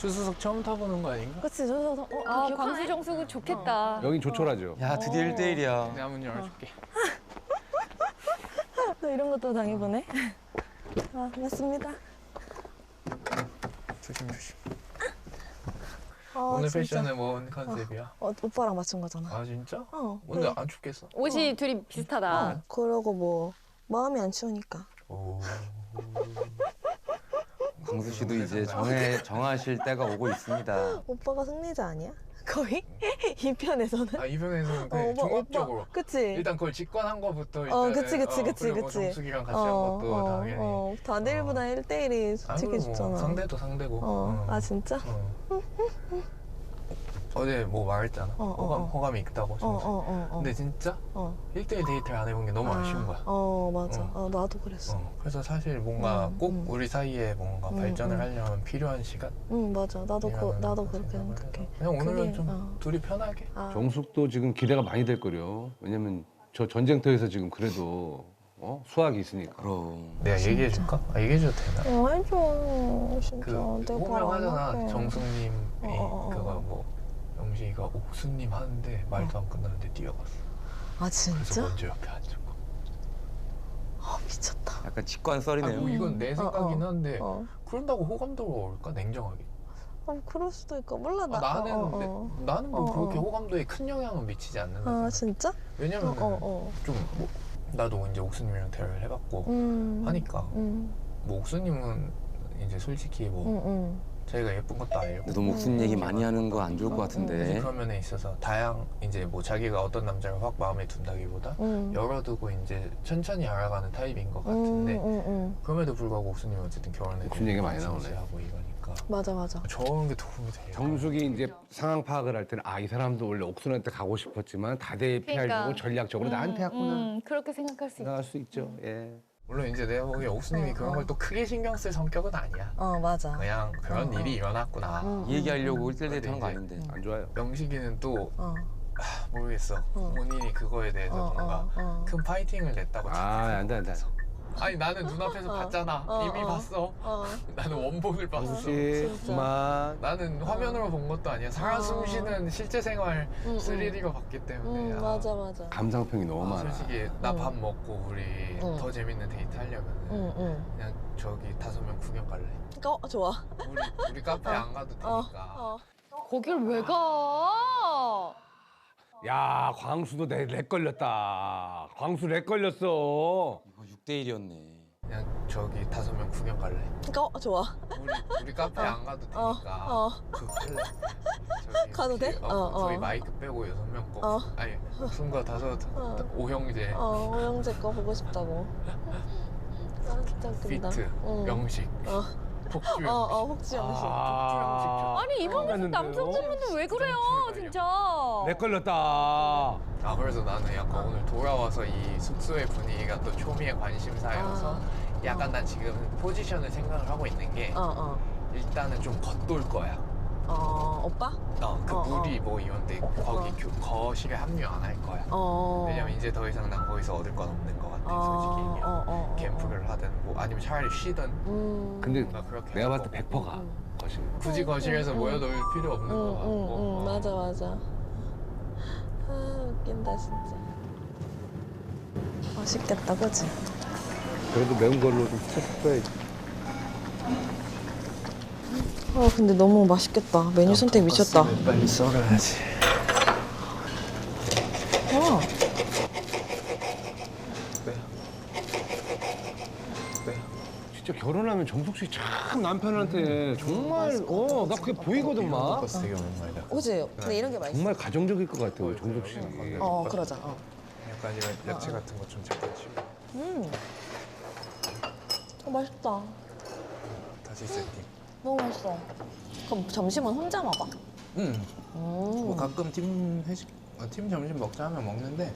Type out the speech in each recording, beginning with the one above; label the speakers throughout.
Speaker 1: 주수석 처음 타보는 거 아닌가?
Speaker 2: 그치, 저
Speaker 3: 아, 광수 정숙은 좋겠다.
Speaker 4: 여긴 조촐하죠.
Speaker 5: 야 드디어 1대1이야.
Speaker 1: 내가 문 열어줄게.
Speaker 2: 또 이런 것도 당해보네. 아, 맞습니다.
Speaker 1: 조심 조심.
Speaker 2: 아,
Speaker 1: 오늘
Speaker 2: 진짜.
Speaker 1: 패션은 뭔 컨셉이야?
Speaker 2: 오빠랑 맞춘 거잖아.
Speaker 1: 아 진짜?
Speaker 2: 그래.
Speaker 1: 근데 안 춥겠어?
Speaker 3: 옷이 둘이 비슷하다.
Speaker 2: 그러고 뭐 마음이 안 추우니까.
Speaker 1: 오.
Speaker 5: 광수 씨도 이제 정하실 때가 오고 있습니다.
Speaker 2: 오빠가 승리자 아니야? 거의? 이 편에서는?
Speaker 1: 아 이번에서는 그냥 종합적으로.
Speaker 2: 그치?
Speaker 1: 일단 그걸 직관한 거부터 일단.
Speaker 2: 그치.
Speaker 1: 그리고 뭐 정숙이랑 같이 한 것도 당연히.
Speaker 2: 다들 1보다 1대1이 솔직히
Speaker 1: 아이고,
Speaker 2: 좋잖아.
Speaker 1: 뭐 상대도 상대고.
Speaker 2: 아, 진짜?
Speaker 1: 어제 뭐 말했잖아. 호감이 있다고. 정숙. 근데 진짜 1대1 데이트를 안 해본 게 너무 아쉬운 거야.
Speaker 2: 맞아. 나도 그랬어.
Speaker 1: 그래서 사실 뭔가 꼭 우리 사이에 뭔가 발전을 하려면 필요한 시간?
Speaker 2: 맞아. 나도 그렇게 생각해.
Speaker 1: 그냥 오늘은
Speaker 2: 그게,
Speaker 1: 좀 둘이 편하게.
Speaker 4: 정숙도 지금 기대가 많이 될 거려. 왜냐면 저 전쟁터에서 지금 그래도 수학이 있으니까.
Speaker 5: 그럼.
Speaker 1: 내가 얘기해줄까? 얘기해줘도 되나?
Speaker 2: 해줘. 진짜.
Speaker 1: 그
Speaker 2: 내가 바로 안
Speaker 1: 호명하잖아.
Speaker 2: 할게.
Speaker 1: 정숙님이 그거 뭐 영식이가 옥수님 하는데 말도 안 끝나는데 뛰어갔어.
Speaker 2: 아,
Speaker 1: 그래서
Speaker 2: 진짜?
Speaker 1: 먼저 옆에 앉은 거.
Speaker 2: 미쳤다.
Speaker 5: 약간 직관
Speaker 1: 아,
Speaker 5: 썰이네요.
Speaker 1: 뭐 이건 내 생각이긴 한데
Speaker 2: 어.
Speaker 1: 그런다고 호감도가 올까? 냉정하게.
Speaker 2: 그럴 수도 있고. 몰라, 나.
Speaker 1: 나는 뭐 그렇게 호감도에 큰 영향은 미치지 않는다.
Speaker 2: 아, 진짜?
Speaker 1: 왜냐면 좀 뭐 나도 이제 옥수님이랑 대화를 해봤고 하니까 뭐 옥수님은 이제 솔직히 뭐 자기가 예쁜 것도 아니고
Speaker 5: 근데 너무 무슨 얘기 많이 하는 거 안 좋을 것 같은데.
Speaker 1: 그런 면에 있어서 이제 뭐 자기가 어떤 남자를 확 마음에 둔다기보다 열어두고 이제 천천히 알아가는 타입인 것 같은데 그럼에도 불구하고 옥수님은 어쨌든 결혼에
Speaker 4: 옥순 얘기 많이 나오네.
Speaker 1: 하고 이러니까
Speaker 2: 맞아.
Speaker 1: 저런 게 도움이 돼요.
Speaker 4: 정숙이 이제 상황 파악을 할 때는 이 사람도 원래 옥순한테 가고 싶었지만 다대 피하려고
Speaker 3: 그러니까.
Speaker 4: 전략적으로 나한테 왔구나.
Speaker 3: 그렇게 생각할 수 있다.
Speaker 4: 나갈 수 있죠. 예.
Speaker 1: 물론 이제 내가 보기에 옥수님이 그런 걸 또 크게 신경 쓸 성격은 아니야.
Speaker 2: 맞아.
Speaker 1: 그냥 그런 일이 일어났구나.
Speaker 5: 얘기하려고 1대1 데이트 하는 거 아닌데.
Speaker 4: 안 좋아요.
Speaker 1: 영식이는 또 모르겠어. 본인이 그거에 대해서 뭔가 큰 파이팅을 냈다고
Speaker 4: 안 돼.
Speaker 1: 아니 나는 눈앞에서 봤잖아. 이미 봤어. 나는 원본을 봤어.
Speaker 4: 정숙 씨, 그만.
Speaker 1: 나는 화면으로 본 것도 아니야. 살아 숨쉬는 실제 생활 3D로 봤기 때문에.
Speaker 2: 맞아.
Speaker 4: 감상평이 너무 많아.
Speaker 1: 솔직히 나 밥 먹고 우리 더 재밌는 데이트 하려면 그냥 저기 5명 구경 갈래.
Speaker 2: 좋아.
Speaker 1: 우리 카페 안 가도 되니까.
Speaker 3: 거길 왜 가?
Speaker 4: 야, 광수도 렉 걸렸다. 광수 렉 걸렸어.
Speaker 5: 이거 6대1이었네.
Speaker 1: 그냥 저기 5명 구경 갈래.
Speaker 2: 좋아.
Speaker 1: 우리 카페 안 가도 되니까. 그 할래. 저기
Speaker 2: 가도 돼?
Speaker 1: 저희 마이크 빼고 6명 거. 아니 순간 5형제.
Speaker 2: 호영재 거 보고 싶다고. 진짜 웃긴다.
Speaker 1: 피트, 영식, 폭주 영식.
Speaker 2: 혹시 영식.
Speaker 1: 폭주 영식 좋다.
Speaker 3: 아니 이번 모습 남성분은 왜 그래요, 진짜?
Speaker 4: 렉 걸렸다.
Speaker 1: 그래서 나는 약간 오늘 돌아와서 이 숙소의 분위기가 또 초미의 관심사여서 약간 난 지금 포지션을 생각을 하고 있는 게 일단은 좀 겉돌 거야.
Speaker 2: 오빠?
Speaker 1: 물이 뭐 이런데 거기 거실에 합류 안 할 거야. 왜냐면 이제 더 이상 난 거기서 얻을 건 없는 것 같아. 솔직히 얘기하면 캠프를 하든 뭐 아니면 차라리 쉬든.
Speaker 4: 근데
Speaker 1: 뭔가 그렇게
Speaker 4: 내가
Speaker 1: 하고.
Speaker 4: 봤을 때 100%가 거실.
Speaker 1: 굳이 거실에서 모여놀 필요 없는 것 같고.
Speaker 2: 맞아. 웃긴다 진짜. 맛있겠다, 그치?
Speaker 4: 그래도 매운 걸로 좀 쳤어야지.
Speaker 2: 근데 너무 맛있겠다. 메뉴 선택 미쳤다.
Speaker 1: 빨리 썰어야지.
Speaker 4: 진짜 결혼하면 정숙 씨 참 남편한테 정말 나 그게 보이거든 막.
Speaker 1: 버스 되게 오랜만이다.
Speaker 2: 그치? 근데 이런 게 맛있어.
Speaker 4: 정말 가정적일 것 같아요, 정숙 씨.
Speaker 2: 그러자.
Speaker 1: 약간 이런 야채 같은 거 좀 잠깐 치고.
Speaker 2: 맛있다.
Speaker 1: 다시 세팅.
Speaker 2: 너무 맛있어. 그럼 점심은 혼자 먹어?
Speaker 1: 뭐 가끔 팀 점심 먹자 하면 먹는데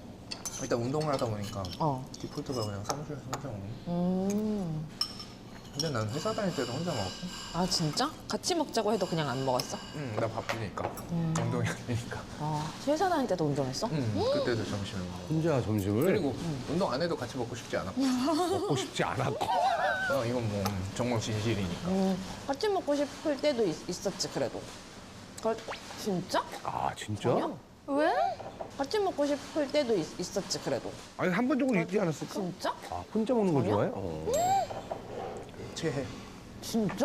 Speaker 1: 일단 운동을 하다 보니까 디폴트가 그냥 사무실에서 혼자 먹는. 근데 난 회사 다닐 때도 혼자 먹었어.
Speaker 2: 아 진짜? 같이 먹자고 해도 그냥 안 먹었어?
Speaker 1: 응, 나 바쁘니까. 운동이 아니니까.
Speaker 2: 회사 다닐 때도 운동했어?
Speaker 1: 그때도 점심을 먹어.
Speaker 4: 혼자 점심을
Speaker 1: 그리고 운동 안 해도 같이 먹고 싶지 않았고.
Speaker 4: 먹고 싶지 않았고.
Speaker 1: 이건 뭐 정말 진실이니까.
Speaker 2: 같이 먹고 싶을 때도 있었지 그래도. 진짜?
Speaker 4: 아 진짜?
Speaker 2: 아니야.
Speaker 3: 왜?
Speaker 2: 같이 먹고 싶을 때도 있었지 그래도.
Speaker 4: 아니 한 번 정도 있지 않았을까?
Speaker 2: 진짜?
Speaker 4: 아 혼자 먹는 걸
Speaker 2: 아니야?
Speaker 4: 좋아해?
Speaker 1: 체해.
Speaker 2: 진짜?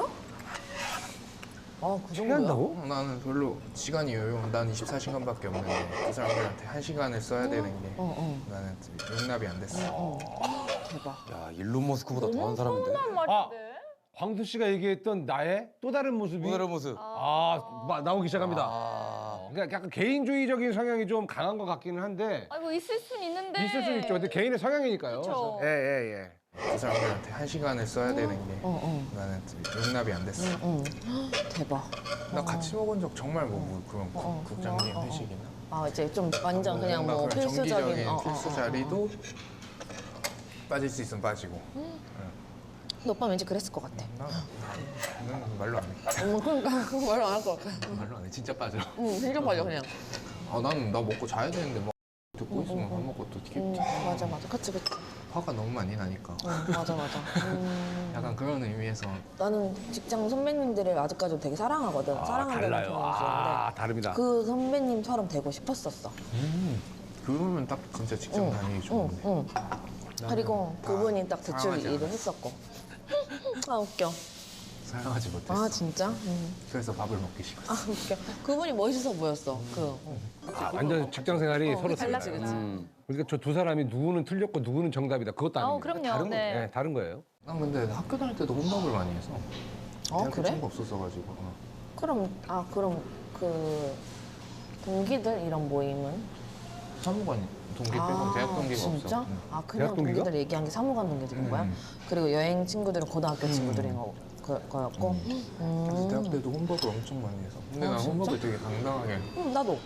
Speaker 2: 아 그 정도야?
Speaker 4: 체한다고?
Speaker 1: 나는 별로 시간이 여유. 난 24시간밖에 없는데 그 사람들한테 1시간을 써야 되는 게 나는 용납이 안 됐어.
Speaker 2: 대박.
Speaker 5: 야 일론 머스크보다 더한 사람인데.
Speaker 4: 아 광수 씨가 얘기했던 나의 또 다른 모습이
Speaker 5: 오늘의 모습.
Speaker 4: 나오기 시작합니다.
Speaker 5: 아.
Speaker 4: 그러니까 약간 개인주의적인 성향이 좀 강한 것 같기는 한데
Speaker 3: 아이고 있을 순 있는데.
Speaker 4: 있을 수 있죠. 근데 개인의 성향이니까요.
Speaker 3: 그쵸.
Speaker 4: 예.
Speaker 1: 그 사람들한테 1시간을 써야 되는 게 나는 용납이 안 됐어.
Speaker 2: 대박.
Speaker 1: 나 같이 먹은 적 정말 뭐 그런 국장님 회식이나
Speaker 2: 아 이제 좀 완전 그냥 뭐
Speaker 1: 그런
Speaker 2: 필수적인.
Speaker 1: 정기적인 필수 자리도 빠질 수 있으면 빠지고.
Speaker 2: 근데 오빠 왠지 그랬을 것 같아.
Speaker 1: 나는 말로 안 해.
Speaker 2: 그러니까 말로 안 할 것 같아.
Speaker 1: 말로 안 해. 진짜 빠져.
Speaker 2: 진짜 빠져 그냥.
Speaker 1: 나는 나 먹고 자야 되는데 막 듣고 있으면 밥 먹고 또 기분
Speaker 2: 맞아. 그치.
Speaker 1: 화가 너무 많이 나니까.
Speaker 2: 맞아.
Speaker 1: 약간 그런 의미에서
Speaker 2: 나는 직장 선배님들을 아직까지도 되게 사랑하거든. 사랑한다는
Speaker 4: 달라요.
Speaker 2: 표현을 쓰는데
Speaker 4: 다릅니다.
Speaker 2: 그 선배님처럼 되고 싶었었어.
Speaker 1: 그러면 딱 진짜 직장 다니기 좋은데.
Speaker 2: 그리고 그분이 딱 대출
Speaker 1: 사랑하지
Speaker 2: 일을
Speaker 1: 않았어.
Speaker 2: 했었고. 아 웃겨.
Speaker 1: 사랑하지 못했어.
Speaker 2: 아 진짜?
Speaker 1: 그래서 밥을 먹기 싫었어.
Speaker 2: 아 웃겨. 그분이 멋있어 보였어.
Speaker 4: 완전 직장 생활이 서로
Speaker 2: 달라지,
Speaker 4: 달라요.
Speaker 2: 그치?
Speaker 4: 그러니까 저 두 사람이 누구는 틀렸고 누구는 정답이다. 그것도 아닙니다.
Speaker 3: 그럼요.
Speaker 4: 다른
Speaker 3: 네.
Speaker 4: 거예요. 다른 거예요.
Speaker 1: 난 근데 학교 다닐 때도 혼밥을 많이 해서. 대학교
Speaker 2: 그래?
Speaker 1: 친구 없었어가지고.
Speaker 2: 그럼 그 동기들 이런 모임은?
Speaker 1: 사무관 동기 빼고 대학 동기가
Speaker 2: 진짜?
Speaker 1: 없어.
Speaker 2: 아 그냥
Speaker 4: 대학 동기가?
Speaker 2: 동기들 얘기한 게 사무관 동기들인 거야? 그리고 여행 친구들은 고등학교 친구들인 거였고?
Speaker 1: 그래서 대학 때도 혼밥을 엄청 많이 해서. 근데 난
Speaker 2: 진짜?
Speaker 1: 혼밥을 되게 당당하게.
Speaker 2: 나도.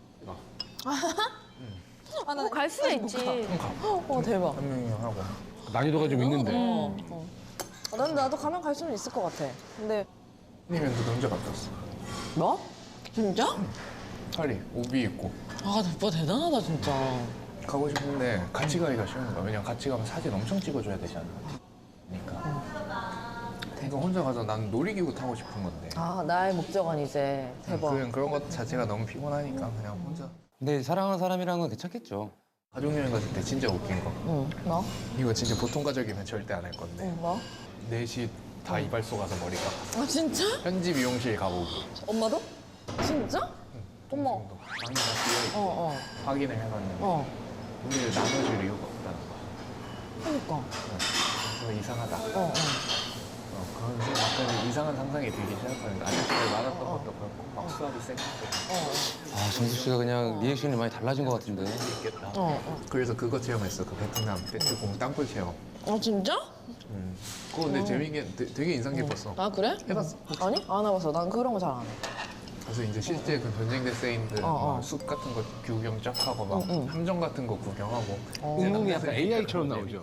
Speaker 3: 뭐 갈 수야 있지.
Speaker 2: 대박.
Speaker 1: 한 명이 하고.
Speaker 4: 난이도가 좀 있는데.
Speaker 2: 나도 가면 갈 수는 있을 것 같아. 근데
Speaker 1: 아니면 너 혼자 갔다 왔어.
Speaker 2: 뭐? 진짜?
Speaker 1: 파리 오비 입고.
Speaker 2: 아 오빠 대단하다 진짜.
Speaker 1: 가고 싶은데 같이 가기가 쉬운 거야. 왜냐면 같이 가면 사진 엄청 찍어줘야 되잖아. 그러니까. 그러니까 혼자 가서 난 놀이기구 타고 싶은 건데.
Speaker 2: 아 나의 목적은 이제 대박.
Speaker 1: 그런 것 자체가 너무 피곤하니까 그냥 혼자.
Speaker 5: 근데 사랑하는 사람이랑은 괜찮겠죠.
Speaker 1: 가족여행 갔을 때 진짜 웃긴 거.
Speaker 2: 응. 뭐?
Speaker 1: 이거 진짜 보통 가족이면 절대 안 할 건데.
Speaker 2: 응 뭐?
Speaker 1: 넷이 다 이발소 가서 머리 깎았어.
Speaker 2: 아 진짜?
Speaker 1: 현지 미용실 가보고.
Speaker 2: 엄마도? 진짜? 어머.
Speaker 1: 동생도 방이 다 비어있고 확인을 해봤는데 우리를 나눠줄 이유가 없다는 거야.
Speaker 2: 그러니까.
Speaker 1: 그래서 이상하다. 그런 약간 이상한 상상이 들기 시작하니까 아저씨들 많았던 것도 그렇고 막 수압이 센 것도
Speaker 5: 아 정수 씨가 그냥 리액션이 많이 달라진 것 같은데.
Speaker 1: 있겠다. 그래서 그거 체험했어. 그 베트남 배트공 땅굴 체험.
Speaker 2: 아 진짜?
Speaker 1: 그거 근데 재미있게 되게 인상 깊었어.
Speaker 2: 아 그래?
Speaker 1: 해봤어?
Speaker 2: 아니? 안 해봤어. 난 그런 거 잘 안 해.
Speaker 1: 그래서 이제 실제 그 전쟁 데스인들 숲 같은 거 구경 쫙 하고 막 함정 같은 거 구경하고
Speaker 4: 응응이 약간 AI처럼 나오죠.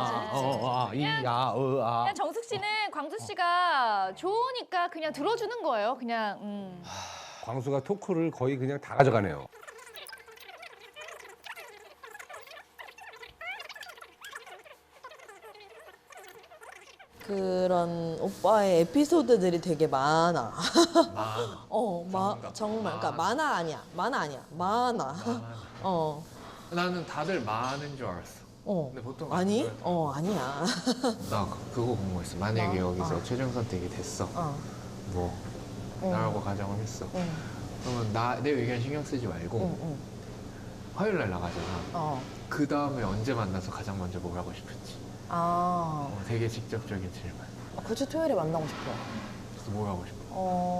Speaker 3: 그냥 정숙 씨는 광수 씨가 좋으니까 그냥 들어주는 거예요. 그냥.
Speaker 4: 광수가 토크를 거의 그냥 다 가져가네요.
Speaker 2: 그런 오빠의 에피소드들이 되게 많아.
Speaker 1: 많아.
Speaker 2: 정말. 그러니까 많아 아니야. 많아.
Speaker 1: 나는 다들 많은 줄 알았어. 근데 보통
Speaker 2: 아니?
Speaker 1: 안 그래요.
Speaker 2: 아니야.
Speaker 1: 나 그거 궁금했어. 만약에 여기서 최종 선택이 됐어. 뭐 나라고 가정을 했어. 그러면 내 의견 신경 쓰지 말고 화요일 날 나가잖아. 그 다음에 언제 만나서 가장 먼저 뭘 하고 싶은지. 되게 직접적인 질문.
Speaker 2: 굳이 토요일에 만나고 싶어.
Speaker 1: 그래서 뭘 하고 싶어?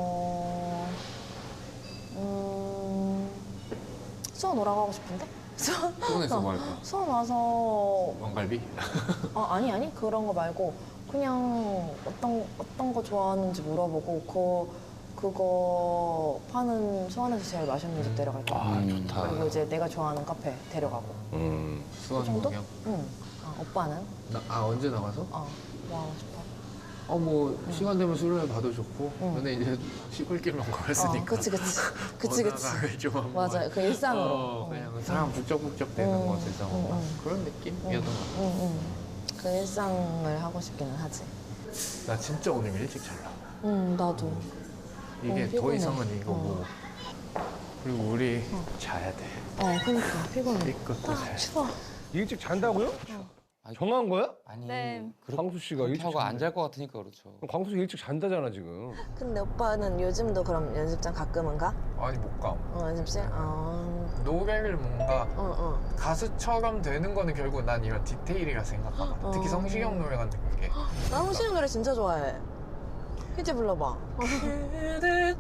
Speaker 2: 수원 오라고 싶은데?
Speaker 1: 수원에서 뭐 할 거야?
Speaker 2: 수원 와서
Speaker 1: 왕갈비?
Speaker 2: 아니 그런 거 말고 그냥 어떤 거 좋아하는지 물어보고 그거 파는 수원에서 제일 맛있는 집 데려갈 거야.
Speaker 5: 좋다.
Speaker 2: 그리고 이제 내가 좋아하는 카페 데려가고.
Speaker 1: 수원
Speaker 2: 정도?
Speaker 1: 구경?
Speaker 2: 응. 오빠는?
Speaker 1: 언제 나가서?
Speaker 2: 뭐 하고 싶어?
Speaker 1: 뭐 시간 되면 술을 봐도 좋고. 근데 이제 시골길만 걸었으니까.
Speaker 2: 그치.
Speaker 1: 어디다가 좀 한번
Speaker 2: 맞아요. 그 일상으로.
Speaker 1: 그냥 사람 북적북적 되는 곳에서 그런 느낌이었던 것 같아.
Speaker 2: 그 일상을 하고 싶기는 하지.
Speaker 1: 나 진짜 오늘 일찍 잘라.
Speaker 2: 나도.
Speaker 1: 이게 더
Speaker 2: 피곤해.
Speaker 1: 이상은 이거고. 그리고 우리 자야 돼.
Speaker 2: 그러니까 피곤해.
Speaker 1: 이것도 자야 돼.
Speaker 2: 추워.
Speaker 4: 일찍 잔다고요? 정한 거야?
Speaker 5: 아니
Speaker 3: 네.
Speaker 4: 광수 씨가
Speaker 5: 그렇게
Speaker 4: 일찍
Speaker 5: 하고 안
Speaker 4: 잔대.
Speaker 5: 잘 것 같으니까 그렇죠.
Speaker 4: 그럼 광수 씨 일찍 잔다잖아 지금.
Speaker 2: 근데 오빠는 요즘도 그럼 연습장 가끔은 가?
Speaker 1: 아니 못 가.
Speaker 2: 연습실?
Speaker 1: 노래를 뭔가
Speaker 2: 응.
Speaker 1: 가수처럼 되는 거는 결국 난 이런 디테일이라 생각하거든. 특히 성시경 노래 같은 게.
Speaker 2: 나 홍시는 노래 진짜 좋아해. 희지 불러봐.
Speaker 1: 그대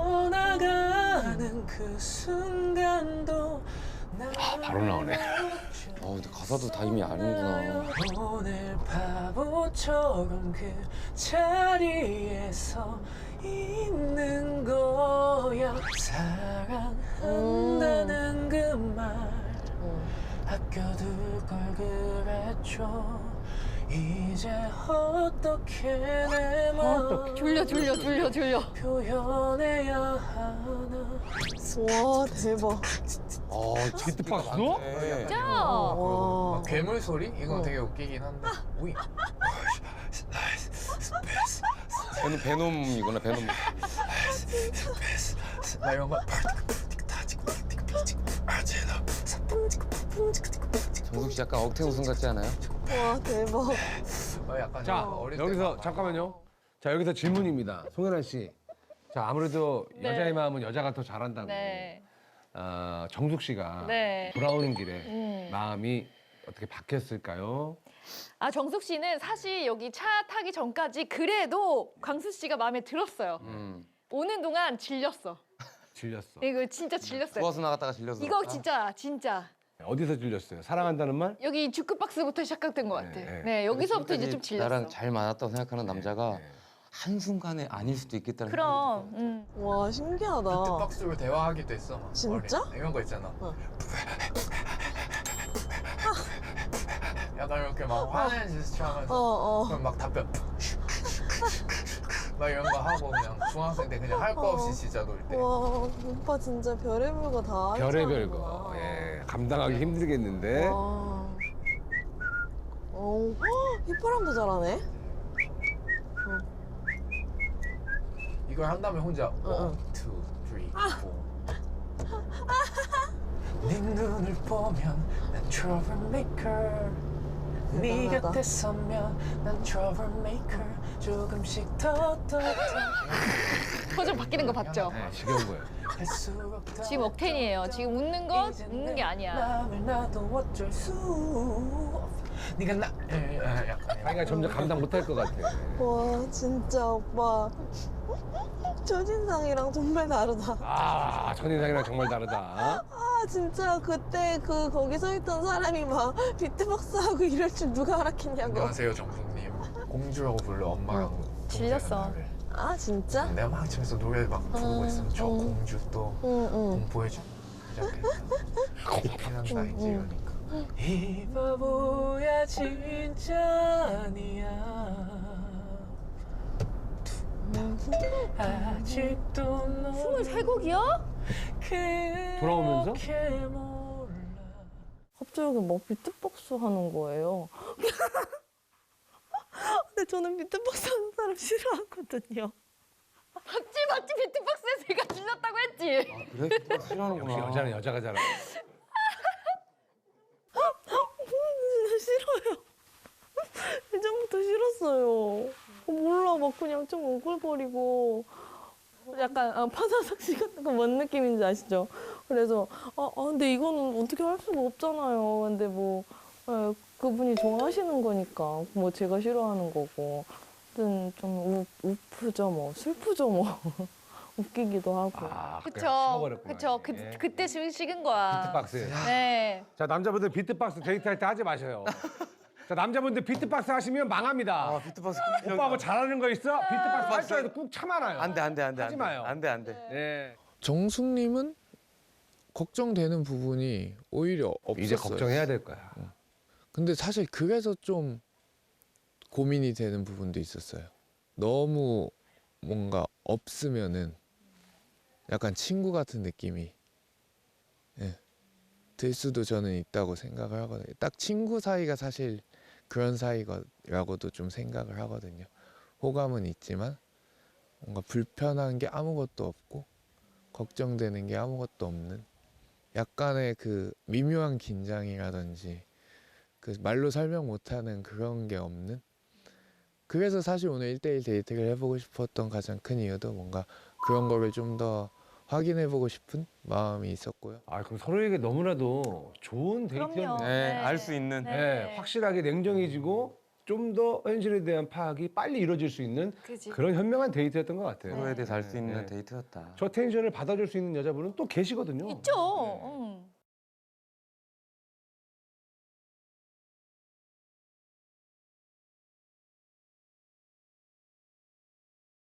Speaker 1: 떠나가는 그 순간도
Speaker 4: 바로 나오네.
Speaker 5: 근데 가사도 다 이미 아는구나.
Speaker 1: 오늘 바보처럼 그 자리에서 있는 거야. 사랑한다는 그 말 아껴둘 걸 그랬죠. 이제 어떻게 내 마음
Speaker 3: 졸려.
Speaker 1: 표현해야 하나.
Speaker 2: 와 대박.
Speaker 4: 비트박스도?
Speaker 3: 진짜?
Speaker 2: 와.
Speaker 1: 괴물 소리? 이건 되게 웃기긴 한데. 우이.
Speaker 5: 베놈이구나, 베놈.
Speaker 1: 나 이런 거.
Speaker 5: 정숙 씨 약간 억태 웃음 같지 않아요?
Speaker 2: 와 대박.
Speaker 1: 약간
Speaker 4: 자
Speaker 1: 어릴 때
Speaker 4: 여기서
Speaker 1: 막
Speaker 4: 잠깐만요. 자 여기서 질문입니다. 송혜란 씨. 자 아무래도
Speaker 3: 네.
Speaker 4: 여자의 마음은 여자가 더 잘한다고.
Speaker 3: 네.
Speaker 4: 정숙 씨가
Speaker 3: 네.
Speaker 4: 돌아오는 길에 마음이 어떻게 바뀌었을까요?
Speaker 3: 정숙 씨는 사실 여기 차 타기 전까지 그래도 광수 씨가 마음에 들었어요. 오는 동안 질렸어.
Speaker 4: 질렸어.
Speaker 3: 이거 진짜 질렸어요.
Speaker 5: 좋아서 나갔다가 질려서.
Speaker 3: 이거 진짜.
Speaker 4: 어디서 질렸어요? 사랑한다는 말?
Speaker 3: 여기 주크박스부터 시작된 것 같아.
Speaker 4: 네.
Speaker 3: 네, 여기서부터 이제 좀
Speaker 5: 지금까지
Speaker 3: 질렸어.
Speaker 5: 나랑 잘 맞았다고 생각하는 남자가
Speaker 4: 네.
Speaker 5: 한순간에 아닐 수도 있겠다는
Speaker 3: 그럼.
Speaker 2: 와 신기하다.
Speaker 1: 비트박스로 대화하기도 했어. 막.
Speaker 2: 진짜?
Speaker 1: 어릴 때. 이런 거 있잖아.
Speaker 2: 어.
Speaker 1: 약간 이렇게 막 화내는 제스처 하면서 그럼 막 답변 막 이런 거 하고 그냥 중학생 때 그냥 할 거 없이 진짜 놀 때.
Speaker 2: 와 오빠 진짜 별의별 거 다
Speaker 4: 별의별 거. 예, 감당하기 힘들겠는데.
Speaker 2: 와. 휘파람도 잘하네.
Speaker 1: 이걸 한 다음에 혼자
Speaker 2: 응.
Speaker 1: 1, 2, 3, 4. 네 눈을 보면 난 troublemaker. 네
Speaker 2: 대단하다.
Speaker 1: 곁에 서면 난 troublemaker. 조금씩 더
Speaker 3: 표정 바뀌는 거 봤죠?
Speaker 4: 네, 지겨운 거예요.
Speaker 1: 할수록 더
Speaker 3: 지금 억텐이에요. 지금 웃는 건 웃는 게 아니야.
Speaker 1: 마음을 놔도 어쩔 수 없어. 네가 나 약간
Speaker 4: 자기가 점점 감당 못할 것 같아.
Speaker 2: 와 진짜 오빠 첫인상이랑 정말 다르다.
Speaker 4: 첫인상이랑 정말 다르다.
Speaker 2: 진짜 그때 거기 서 있던 사람이 막 비트박스 하고 이럴 줄 누가 알았겠냐고.
Speaker 1: 안녕하세요 정숙님. 공주라고 불러 엄마랑 동생은
Speaker 3: 질렸어.
Speaker 1: 나를.
Speaker 2: 진짜?
Speaker 1: 내가 막 집에서 노래 막 부르고 있으면 저 공주 또
Speaker 2: 응.
Speaker 1: 공포해주고 시작했어. 피난다 이제 이러니까. 이 바보야 진짜 아니야. 아직도 너
Speaker 3: 23곡이요?
Speaker 4: 돌아오면서?
Speaker 1: 몰라.
Speaker 2: 갑자기 막 비트박스 하는 거예요. 근데 저는 비트박스 하는 사람 싫어하거든요.
Speaker 3: 맞지 비트박스에서 얘가 질렸다고 했지.
Speaker 5: 그래? 싫어하는구나.
Speaker 4: 역시 여자는 여자가 잘하.
Speaker 2: 진짜 싫어요. 예전부터 싫었어요. 몰라 막 그냥 좀 웅글거리고 약간 파사삭 씨 같은 거 뭔 느낌인지 아시죠? 그래서 근데 이거는 어떻게 할 수가 없잖아요. 근데 뭐 그분이 좋아하시는 거니까 뭐 제가 싫어하는 거고. 아무튼 좀 우프죠 뭐 슬프죠 뭐 웃기기도 하고.
Speaker 3: 그쵸. 그때 식은 거야.
Speaker 4: 비트박스.
Speaker 3: 네.
Speaker 4: 자 남자분들 비트박스 데이트할 때 하지 마셔요. 자 남자분들 비트박스 하시면 망합니다.
Speaker 5: 비트박스
Speaker 4: 오빠하고 잘하는 거 있어? 비트박스 할 줄 알고 꾹 참아놔요.
Speaker 5: 안돼.
Speaker 4: 하지 마요.
Speaker 5: 안돼.
Speaker 4: 네.
Speaker 1: 정숙님은 걱정되는 부분이 오히려 없었어요.
Speaker 4: 이제 걱정해야 될 거야.
Speaker 1: 근데 사실 그래서 좀 고민이 되는 부분도 있었어요.
Speaker 6: 너무 뭔가 없으면은 약간 친구 같은 느낌이 들 수도 저는 있다고 생각을 하거든요. 딱 친구 사이가 사실 그런 사이라고도 좀 생각을 하거든요. 호감은 있지만 뭔가 불편한 게 아무것도 없고 걱정되는 게 아무것도 없는 약간의 그 미묘한 긴장이라든지 그 말로 설명 못하는 그런 게 없는. 그래서 사실 오늘 1대1 데이트를 해보고 싶었던 가장 큰 이유도 뭔가 그런 거를 좀 더 확인해보고 싶은 마음이 있었고요.
Speaker 4: 아 그럼 서로에게 너무나도 좋은 데이트였네.
Speaker 3: 그럼요.
Speaker 5: 네, 알 수 있는.
Speaker 4: 네, 확실하게 냉정해지고 좀 더 현실에 대한 파악이 빨리 이루어질 수 있는
Speaker 3: 그지.
Speaker 4: 그런 현명한 데이트였던 것 같아요.
Speaker 5: 서로에 대해서 알 수 있는
Speaker 4: 네.
Speaker 5: 데이트였다.
Speaker 4: 저 텐션을 받아줄 수 있는 여자분은 또 계시거든요.
Speaker 3: 있죠. 응.